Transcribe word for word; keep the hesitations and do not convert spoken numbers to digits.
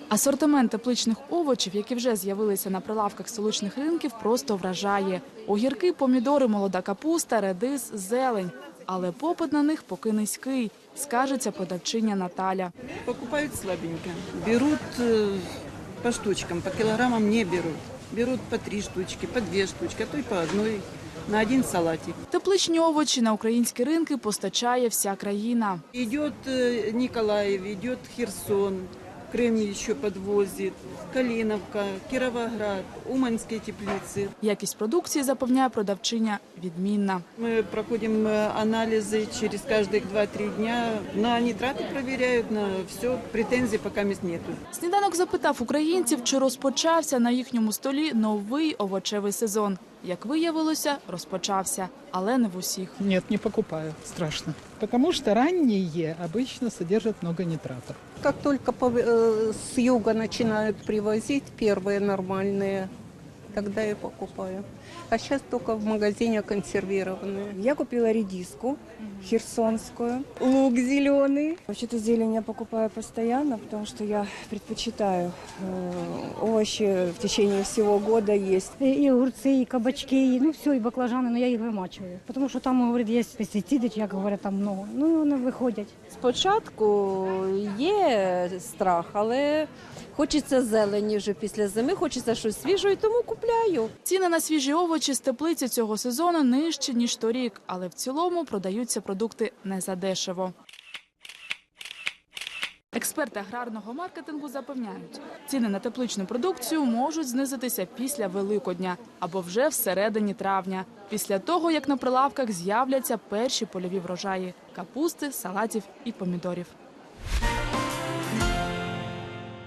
Асортимент тепличних овочів, які вже з'явилися на прилавках столичних ринків, просто вражає. Огірки, помідори, молода капуста, редис, зелень. Але попит на них поки низький, скаржиться продавчиня Наталя. Покупают слабенько. Берут э, по штучкам, по килограммам не берут. Берут по три штучки, по две штучки, а то й по одной на один салатик. Тепличні овочі на українські ринки постачає вся країна. Идет э, Николаев, идет Херсон, Крым еще подвозит, Калиновка, Кировоград, Уманские теплицы. Якість продукції, запевняє продавчиня, відмінна. Мы проходим э, анализы через каждых два-три дня. На нитраты проверяют, на все. Претензий пока нету. Сніданок запитав українців, чи розпочався на їхньому столі новий овочевий сезон. Як виявилося, розпочався, але не в усіх. Нет, не покупаю. Страшно. Потому что ранние обычно содержат много нитратов. Как только по- э, с юга начинают привозить первые нормальные, тогда я покупаю. А сейчас только в магазине консервированные. Я купила редиску херсонскую, лук зеленый. Вообще-то зелень я покупаю постоянно, потому что я предпочитаю э, овощи в течение всего года есть. И огурцы, и кабачки, и, ну все, и баклажаны, но я их вымачиваю. Потому что там, говорят, есть пестициды, як говорят, там много. Ну, вони виходять. Спочатку є страх, але хочеться зелені вже після зими, хочеться щось свіжого, і тому купляю. Ціни на свіжі овочі з теплиці цього сезону нижчі, ніж торік, але в цілому продаються продукти не задешево. Експерти аграрного маркетингу запевняють, ціни на тепличну продукцію можуть знизитися після Великодня або вже всередині травня, після того, як на прилавках з'являться перші польові врожаї – капусти, салатів і помідорів.